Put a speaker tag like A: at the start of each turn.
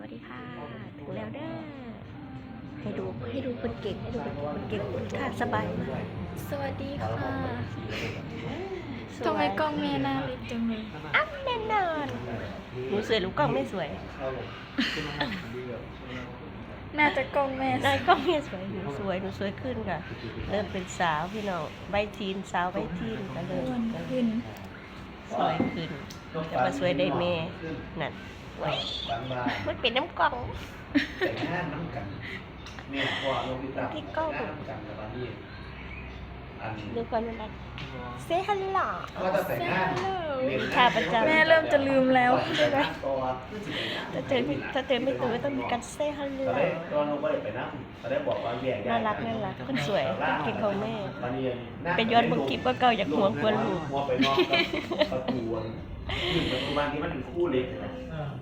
A: วัสดีค่ะถึงแล้วเด้อให้ดูคนเก่งคนเก่งค่ะสบายมาก
B: สวัสดีค่ะทำไมกล้องแม่หน้าเล็กจังเลย
A: อัพแน่นอนหนูสวยหรือกล้องไม่สวย
B: น่าจะกล้องแม่
A: นายกล้องไม่สวยหนูสวยขึ้นค่ะ เริ่มเป็นสาวพี่น้องใบทีนสาวใบทีนก็เริ่
B: อ้ว
A: ม
B: นขึ้น
A: สวยขึ้นแต่ว่าสวยได้แม่นั่นไว้มันเป็นน้ำกล่อง
C: แต่งหน้าน้ำกันเนี่ยพอลงที่ตา
A: ที่กล้อง
C: น้ำกันกับอันนี้อัน
A: ดูก่อนมันเซฮัลโหล
C: ก็จะแต่งหน้า
A: ค่ะประจำ
B: แม่เริ่มจะลืมแล้ว
C: ใช่ไหมตัว
A: ถ้าเจอไม่ตื่นก็ต้องมีการเซฮัลโหล
C: ตอนแรกตอนเราไม่ได้ไปนั่งตอนแรกบอกว่าแยก
A: น่ารักคนสวยคนเก่งของแม่
C: ตอนนี้
A: เป็นย้อนบางคลิปว่าเก่าอยากหัวกวนลูก
C: หัวไปนอกประตูบ้านที่มันเป็นคู่เล็กนะ